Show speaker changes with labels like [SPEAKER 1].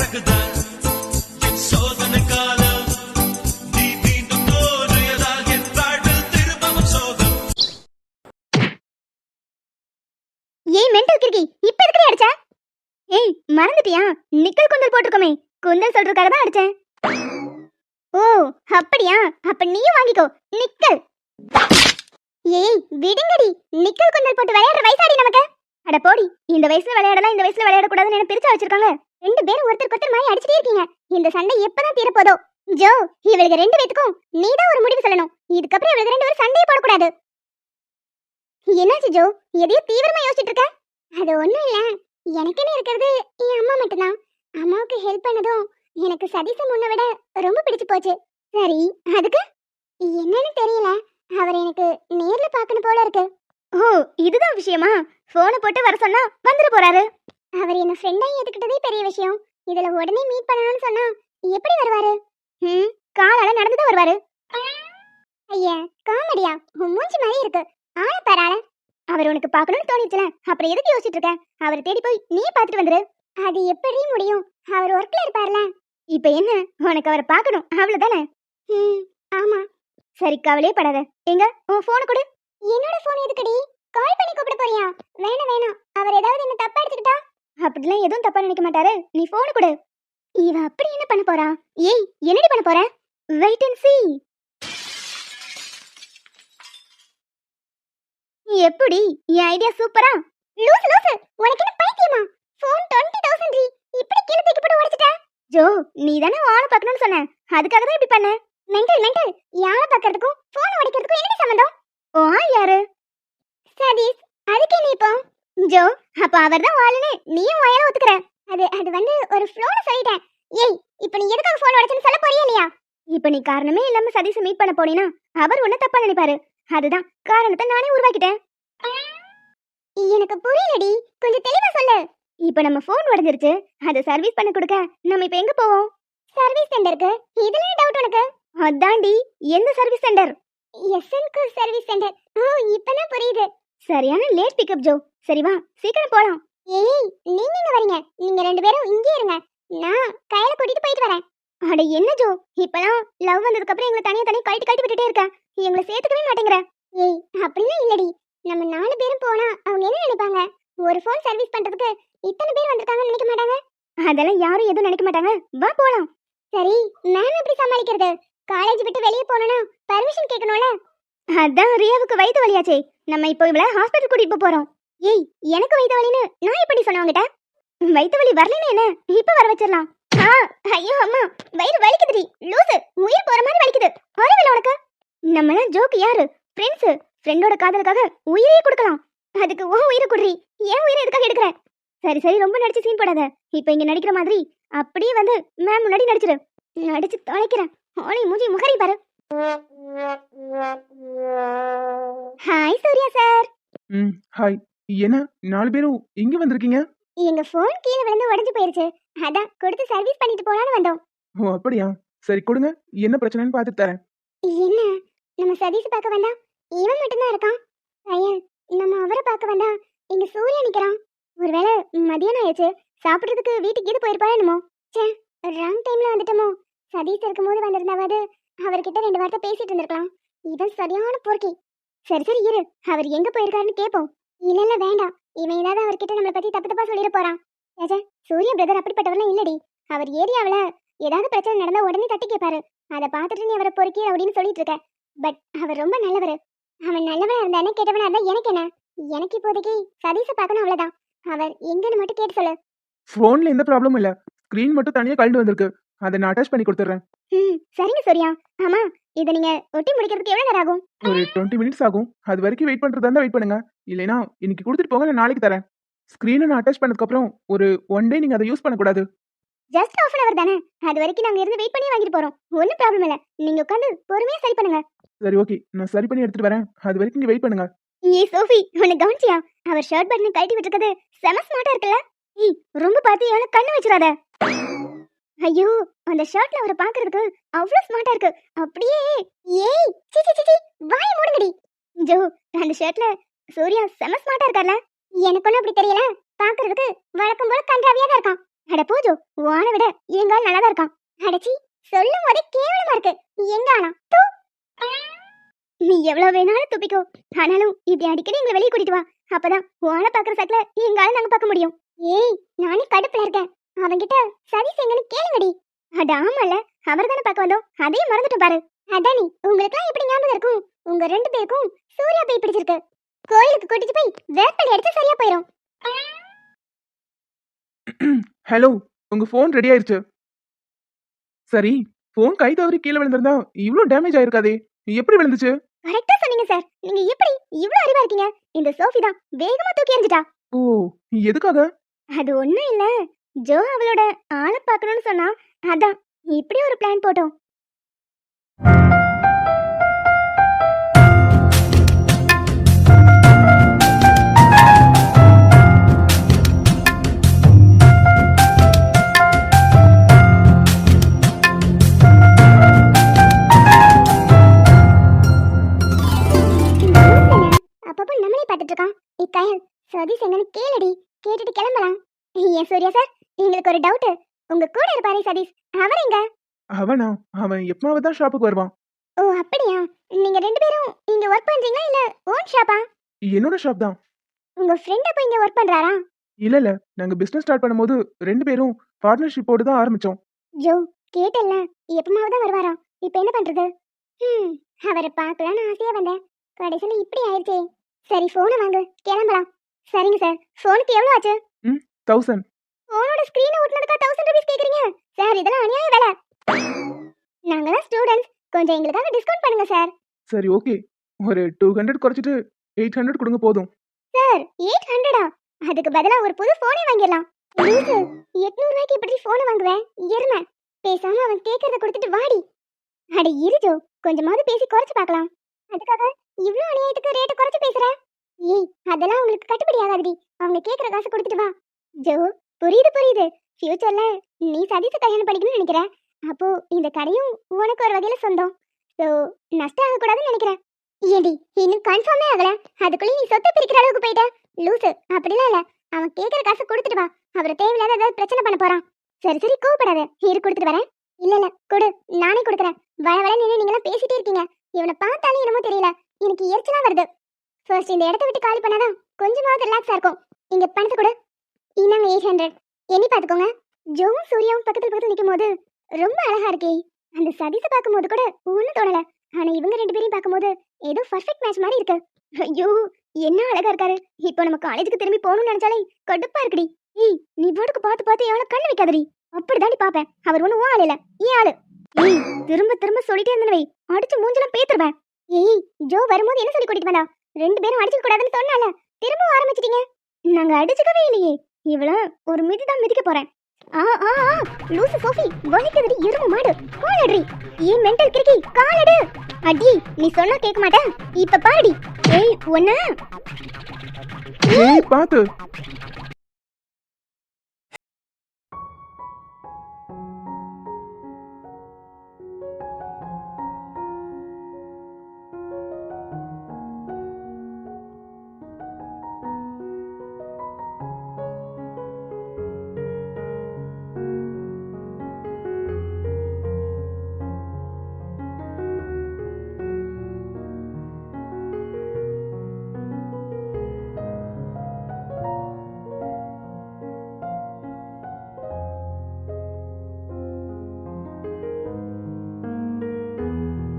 [SPEAKER 1] ஏய் மெண்டல் கிறுக்கி, இப்ப எதுக்கு அடிச்ச? ஏய் மறந்துட்டியா? நிக்கல் குந்தல் போட்டுருக்கோமே, குந்தல் சொல்றதுக்காக தான் அடிச்சேன். ஓ அப்படியா? அப்ப நீயும் வாங்கிக்கோ நிக்கல். ஏய் விடுங்கடி, நிக்கல் குந்தல் போட்டு விளையாடுற வயசாடி நமக்கு. அட போடி, இந்த வயசுல விளையாடலாம் இந்த வயசுல விளையாட கூடாதுன்னு என்ன பிரிச்சா வச்சிருக்காங்க. ரெண்டு பேரும் ஒருத்தருக்கு ஒருத்தர் மாதிரி அடிச்சிட்டே இருக்கீங்க. இந்த சண்டை எப்பதான் தீரப்போதோ? ஜோ, இவளுக்கு ரெண்டு பேத்துக்கும் நீதான் ஒரு முடிவு சொல்லணும். இதுக்கப்புறம் இவளுக்கு ரெண்டு பேரும் சண்டையே போடக்கூடாது. என்னாச்சு ஜோ, எதையோ தீவிரமா யோசிச்சுட்டு இருக்க? அது ஒண்ணும் இல்ல, எனக்குன்னு இருக்கிறது என் அம்மா மட்டும்தான். அம்மாவுக்கு ஹெல்ப் பண்ணதும் எனக்கு சதீஷ முன்ன விட ரொம்ப பிடிச்சு போச்சு. சரி, அதுக்கு என்னன்னு தெரியல, அவர் எனக்கு நேர்ல பார்க்கணும் போல இருக்கு. ஓ இதுதான் விஷயமா? போனை போட்டு வர சொன்னா வந்துட போறாரு. அவர் என்ன ஃப்ரெண்டா ஏத்துக்கிட்டதே பெரிய விஷயம். இதுல உடனே மீட் பண்ணணும்னு சொன்னா எப்படி வருவாரு? காலால நடந்துதான் வருவாரு. ஐயா காமெடியா, உன் மூஞ்சி மாதிரி இருக்கு. ஆள பாராள. அவர் உனக்கு பார்க்கணும்னு தோணிச்சுல, அப்புறம் எதுக்கு யோசிச்சுட்டு இருக்க? அவரை தேடி போய் நீ பார்த்துட்டு வந்துரு. அது எப்படி முடியும்? அவர் ஒர்க்ல இருப்பார்ல. இப்ப என்ன, உனக்கு அவரை பார்க்கணும் அவ்வளவுதானே? ஆமா. சரி கவலையே படாத. எங்க உன் போனை கொடு. என்னோட போன் எதுக்குடி? கால் பண்ணி கூப்பிட போறியா? வேணாம் வேணாம், அவர் ஏதாவது என்ன தப்பா எடுத்துக்கிட்டா? அப்படிலாம் எதுவும் தப்பா நினைக்க மாட்டாரு, நீ போனை கொடு. இவ அப்படி என்ன பண்ண போறா? ஏய் என்னடி பண்ண போற? Wait and see. எப்படி என் ஐடியா சூப்பரா? லூசு லூசு, உனக்கு என்ன பைத்தியமா? ஃபோன் 20,000 டி, இப்படி கீழ தூக்கி போட்டு உடைச்சிட்ட. ஜோ, நீ தானே ஆள பார்க்கணும்னு சொன்ன, அதுக்காக தான் இப்படி பண்ண. மெண்டல் மெண்டல், யார பார்க்கிறதுக்கும் ஃபோன் உடைக்கிறதுக்கும் என்ன சம்பந்தம்? ஓ யாரு? சதீஷ். அதுக்கு என்ன இப்போ? ஜோ, அப்ப அவர்தான் ஆளுன்னு நீயும் வாயால ஒத்துக்கற. அது வந்து ஒரு ஃப்ளோல சொல்லிட்டேன். ஏய், இப்போ நீ எதுக்காக ஃபோன் உடைச்சன்னு சொல்ல போறியா இல்லையா? இப்போ நீ காரணமே இல்லாம சதீஷை மீட் பண்ண போனீனா அவர் உன்னை தப்பா நினைப்பாரு. அதுதான் காரணத்தை நானே உருவாக்கிட்டேன். எனக்கு புரியலடி, கொஞ்சம் தெளிவா சொல்லு. இப்போ நம்ம ஃபோன் உடைஞ்சிருச்சு, அதை சர்வீஸ் பண்ண கொடுக்க நம்ம இப்போ எங்க போவோம்? சர்வீஸ் சென்டருக்கு. இதுல டவுட் உனக்கு? அதான்டி, எந்த சர்வீஸ் சென்டர்? எஸ்என்கு சர்வீஸ் சென்டர். ஓ இப்பதான் புரியுது. சரியான லேட் பிக்கப் ஜோ. சரி வா சீக்கிரம் போலாம். ஏய் நீங்க எங்க வரீங்க? நீங்க ரெண்டு பேரும் இங்கே இருங்க, நான் கையில கூட்டிட்டு போயிட்டு வரேன். அட என்ன ஜோ, இப்பலாம் லவ் வந்ததுக்கு அப்புறம் எங்களை தனியா கழட்டி விட்டுட்டே இருக்க, எங்களை சேர்த்துக்கவே மாட்டேங்கிற. ஏய் அப்படிலாம் இல்லடி, நம்ம 4 பேரும் போனா அவங்க என்ன நினைப்பாங்க? ஒரு ஃபோன் சர்வீஸ் பண்றதுக்கு இத்தனை பேர் வந்திருக்காங்கன்னு நினைக்க மாட்டாங்க? அதெல்லாம் யாரும் எதுவும் நினைக்க மாட்டாங்க, வா போலாம். சரி, மேம் எப்படி சமாளிக்கிறது? காலேஜ் விட்டு வெளியே போறோம்னா பர்மிஷன் கேட்கணும்ல. அதான் ரியாவுக்கு வயித்து வலியாச்சே, நம்ம இப்போ இவள ஹாஸ்பிடல் கூட்டிட்டு போறோம். ஏய் எனக்கு வயித்து வலின்னு நான் எப்படி சொன்னவங்கட்ட? வயித்து வலி வரலன்னு என்ன, இப்ப வர வச்சிடலாம். ஐயோ அம்மா, வயிறு வலிக்குதுடி லூசு, உயிர் போற மாதிரி வலிக்குது. அறிவில்லை உனக்கு? நம்மள ஜோக்கு யாரு? ஃப்ரெண்ட்ஸ், ஃப்ரெண்டோட காதலுக்காக உயிரையே கொடுக்கலாம். அதுக்கு ஓ உயிரை குடுறி, ஏன் உயிரை எதுக்காக எடுக்கிற? சரி சரி, ரொம்ப நடிச்சு சீன் போடாத. இப்போ இங்க நடிக்கிற மாதிரி அப்படியே வந்து மேம் முன்னாடி நடிச்சிரு. நடிச்சு தொலைக்கிறேன். ஓலை மூஞ்சி முகரி பாரு. Hi Surya sir.
[SPEAKER 2] ஹாய். என்ன 4 பேரும் இங்க வந்திருக்கீங்க?
[SPEAKER 1] எங்க ஃபோன் கீழ விழுந்து உடைஞ்சு போயிருச்சு, அதான் கொடுத்து சர்வீஸ் பண்ணிட்டு போலான்னு வந்தோம்.
[SPEAKER 2] ஓ அப்படியா? சரி கொடுங்க, என்ன பிரச்சனைன்னு பார்த்துட்டு தரேன்.
[SPEAKER 1] என்ன, நம்ம சதீஷ் பார்க்க வந்தா இவன் மட்டும்தான் இருக்கான். ஐயன், நம்ம அவரை பார்க்க வந்தா இங்க சூர்யா நிக்கிறான். ஒருவேளை மதியானம் ஆயிடுச்சு, சாப்பிட்றதுக்கு வீட்டுக்கு இது போயிருப்பாரு என்னமோ. சே, ராங் டைம்ல வந்துட்டோமோ. சதீஷ் இருக்கும்போது வந்திருந்தாவது அவர்கிட்ட 2 வார்த்தை பேசிட்டு இருந்திருக்கலாம். இவன் சரியான போர்க்கி. சரி சரி இரு, அவர் எங்க போயிருக்காருன்னு கேட்போம். இல்ல வேண்டாம், இவன் ஏதாவது அவர்கிட்ட நம்மளை பத்தி தப்பு தப்பா சொல்லிட போறான். ஏஜா, சூர்யா பிரதர் அப்படிப்பட்டவர்லாம் இல்லடி. அவர் ஏரியாவில் ஏதாவது பிரச்சனை நடந்தா உடனே தட்டி கேட்பாரு. அதை பார்த்துட்டு நீ அவரை பொறுக்கி அப்படின்னு சொல்லிட்டு இருக்க. பட் அவர் ரொம்ப நல்லவர். அவன் நல்லவனா இருந்தானே கேட்டவனா இருந்தா எனக்கு என்ன? எனக்கு இப்போதைக்கு சதீஷை பார்க்கணும் அவ்வளவுதான். அவர் எங்கன்னு மட்டும் கேட்டு சொல்லு.
[SPEAKER 2] ஃபோன்ல எந்த ப்ராப்ளமும் இல்ல, ஸ்கிரீன் மட்டும் தனியா கழண்டு வந்திருக்கு, அதை நான் அட்டாச் பண்ணி கொடுத்துறேன்.
[SPEAKER 1] சரிங்க சூர்யா. ஆமா, இதை நீங்க ஒட்டி முடிக்கிறதுக்கு எவ்வளவு நேரம் ஆகும்?
[SPEAKER 2] ஒரு 20 மினிட்ஸ் ஆகும். அது வரைக்கும் வெயிட் பண்றதா இருந்தா வெயிட் பண்ணுங்க, இல்லைனா இன்னைக்கு கொடுத்துட்டு போங்க, நான் நாளைக்கு தரேன். ஸ்கிரீனை நான் அட்டாச் பண்ணதுக்கு அப்புறம் ஒரு 1 டே நீங்க அதை யூஸ் பண்ணக்கூடாது.
[SPEAKER 1] ஜஸ்ட் ½ hour தானே, அது வரைக்கும் நாங்க இருந்து வெயிட் பண்ணி வாங்கிட்டு போறோம். ஒன்றும் ப்ராப்ளம் இல்ல, நீங்க உட்காந்து பொறுமையா சரி பண்ணுங்க.
[SPEAKER 2] சரி ஓகே, நான் சரி பண்ணி எடுத்துட்டு வரேன், அது வரைக்கும் நீங்க வெயிட் பண்ணுங்க.
[SPEAKER 1] ஏய் சோஃபி, உன்னை கவனிச்சியா? அவர் ஷர்ட் பட்டனை கழட்டி விட்டுருக்கது செம ஸ்மார்ட்டா இருக்குல்ல? ஏய் ரொம்ப பார்த்து எவ்வளவு கண்ணு வச்சிடாத. ஐயோ, அந்த ஷர்ட்ல அவரை பாக்குறதுக்கு அவ்வளவு ஸ்மார்ட்டா இருக்கு. அப்படியே ஏய் சி சி சி, வாயை மூடுங்கடி. ஜோ, அந்த ஷர்ட்ல சூர்யா செம ஸ்மார்ட்டா இருக்கார்ல? எனக்கு ஒன்றும் அப்படி தெரியல, பாக்குறதுக்கு வழக்கம் போல கன்றாவியா தான் இருக்கான். அட போஜோ, உன்னை விட எங்கால் நல்லாதான் இருக்கான். அடச்சி, சொல்லும் போதே கேவலமா இருக்கு. எங்கானா தூ. நீ எவ்வளவு வேணாலும் துப்பிக்கோ. ஆனாலும் இப்படி அடிக்கடி எங்களை வெளியே கூட்டிட்டு வா. அப்பதான் உன்னை பாக்குற சக்கல எங்கால நாங்க பார்க்க முடியும். ஏய், நானே கடுப்புல இருக்கேன். அவன்கிட்ட சதீஷ் எங்கன்னு கேளுங்கடி. அட ஆமால, அவர் தானே பார்க்க வந்தோம். அதையும் மறந்துட்டு பாரு. அதானி, உங்களுக்குலாம் எப்படி ஞாபகம் இருக்கும்? உங்க 2 பேருக்கும் சூர்யா போய் பிடிச்சிருக்கு. கோயிலுக்கு கூட்டிட்டு போய் வேப்பலை எடுத்து சரியா போயிடும்.
[SPEAKER 2] ஹலோ, உங்க ஃபோன் ரெடி ஆயிருச்சு. சரி, ஃபோன் கை தவறி கீழே விழுந்திருந்தா இவ்ளோ டேமேஜ் ஆயிருக்காதே. எப்படி விழுந்துச்சு?
[SPEAKER 1] கரெக்டா சொன்னீங்க சார். நீங்க எப்படி இவ்ளோ அறிவா இருக்கீங்க? இந்த சோஃபி தான் வேகமா தூக்கி எறிஞ்சிட்டா.
[SPEAKER 2] ஓ, எதுக்காக?
[SPEAKER 1] அது ஒண்ணும் இல்ல, ஜோ அவளோட ஆளை பார்க்கணும்னு சொன்னா, அதான் இப்படி ஒரு பிளான் போட்டோம். அப்பப்போ நம்மளே பார்த்துட்டு இருக்கான். இக்கயல், சதீஷ் எங்கன்னு கேளுடி. கேட்டுட்டு கிளம்பலாம். ஏன் சூர்யா சார், எங்களுக்கு ஒரு டவுட். உங்க கூட இருப்பாரே சதீஷ், அவர் எங்க?
[SPEAKER 2] அவனா? அவன் எப்பமாவது தான் ஷாப்புக்கு வருவான்.
[SPEAKER 1] ஓ அப்படியா? நீங்க 2 பேரும் இங்க ஒர்க் பண்றீங்களா இல்ல ஓன் ஷாப்பா?
[SPEAKER 2] என்னோட ஷாப் தான்.
[SPEAKER 1] உங்க ஃப்ரெண்ட் அப்ப இங்க ஒர்க் பண்றாரா?
[SPEAKER 2] இல்ல, நாங்க பிசினஸ் ஸ்டார்ட் பண்ணும்போது 2 பேரும் பார்ட்னர்ஷிப்போடு தான் ஆரம்பிச்சோம்.
[SPEAKER 1] ஜோ, கேட்டல்ல, எப்பமாவது தான் வருவாரா? இப்போ என்ன பண்றது? அவரை பார்க்கலான்னு ஆசையா வந்தேன். கடைசியில இப்படி ஆயிடுச்சே. சரி, போனை வாங்க, கிளம்பலாம். சரிங்க சார். போனுக்கு எவ்வளவு ஆச்சு?
[SPEAKER 2] 1000.
[SPEAKER 1] போனோட ஸ்கிரீனை ஒட்டுனதுக்கா 1000 ரூபீஸ் கேக்குறீங்க? சார், இதெல்லாம் அநியாய வேலை. நாங்க தான் ஸ்டூடெண்ட்ஸ், கொஞ்சம் எங்களுக்காக டிஸ்கவுண்ட் பண்ணுங்க சார்.
[SPEAKER 2] சரி, ஓகே. ஒரு 200 குறைச்சிட்டு 800 கொடுங்க போதும்.
[SPEAKER 1] சார், 800ஆ? அதுக்கு பதிலா ஒரு புது போனே வாங்கிடலாம். 800 ரூபாய்க்கு எப்படி போனை வாங்குவேன்? எருமை. பேசாம அவன் கேட்கறத கொடுத்துட்டு வாடி. அட இருஜோ, கொஞ்சமாவது பேசி குறைச்சு பார்க்கலாம். அதுக்காக இவ்ளோ அநியாயத்துக்கு ரேட்டை குறைச்சு பேசுற? ஏய், அதெல்லாம் உங்களுக்கு கட்டுப்படி ஆகாதுடி. அவங்க கேட்கற காசு கொடுத்துட்டு வா. ஜோ, புரியுது. ஃபியூச்சர்ல நீ சதீஷ கல்யாணம் பண்ணிக்கணும்னு நினைக்கிற. அப்போ இந்த கடையும் உனக்கு ஒரு வகையில சொந்தம். சோ நஷ்டம் ஆகக்கூடாதுன்னு நினைக்கிறேன். ஏண்டி, இன்னும் கன்ஃபார்மே ஆகல, அதுக்குள்ளே நீ சொத்தை பிரிக்கிற அளவுக்கு போயிட்ட? லூசு, அப்படிலாம் இல்ல. அவன் கேட்கற காசு கொடுத்துட்டு வா. அவரை தேவையில்லாத ஏதாவது பிரச்சனை பண்ண போறான். சரி, கொடுப்படாத. இரு, கொடுத்துட்டு வரேன். இல்ல, கொடு, நானே கொடுக்குறேன். வள நின்று நீங்களாம் பேசிட்டே இருக்கீங்க. இவனை பார்த்தாலே என்னமோ தெரியல, எனக்கு எரிச்சலா வருது. ஃபர்ஸ்ட் இந்த இடத்த விட்டு காலி பண்ணாதான் கொஞ்சமாவது ரிலாக்ஸா இருக்கும். இங்க பணத்தை கொடு. இந்தாங்க 800. எண்ணி பாத்துக்கோங்க. ஜோவும் சூர்யாவும் பக்கத்துல நிக்கும் போது ரொம்ப அழகா இருக்கே. அந்த சதீஷை பார்க்கும்போது கூட ஒன்னும் தோணல. ஆனா இவங்க 2 பேரையும் பார்க்கும்போது ஏதோ பர்ஃபெக்ட் மேட்ச் மாதிரி இருக்கு. ஐயோ, என்ன அழகா இருக்காரு. இப்போ நம்ம காலேஜுக்கு திரும்பி போகணும்னு நினைச்சாலே கடுப்பா இருக்குடி. ஏய், நீ போட்டுக்கு பார்த்து எவ்வளவு கண்ணு வைக்காதடி. அப்படிதாண்டி பாப்பேன். அவர் ஒன்னும் ஆள் இல்ல, ஏன் ஆளு. ஏய், திரும்ப சொல்லிட்டே இருந்தனவை அடிச்சு மூஞ்சலாம் பேத்துருவேன். ஏய், ஜோ வரும்போது என்ன சொல்லி கூட்டிட்டு வந்தா? 2 பேரும் அடிச்சுக்க கூடாதுன்னு சொன்னால, திரும்ப ஆரம்பிச்சிட்டீங்க. நாங்க அடிச்சுக்கவே இல்லையே. இவள ஒரு மிதிதான் மிதிக்க போறேன். லூசு சோஃபி, வலிக்குதுடி எருமை மாடு. காலடி. ஏன் மெண்டல் கிறுக்கி, காலடு. அடி, நீ சொன்னா கேட்க மாட்டேன். இப்ப பாடி. ஏய், ஒண்ணு.
[SPEAKER 2] ஏய், பாத்து.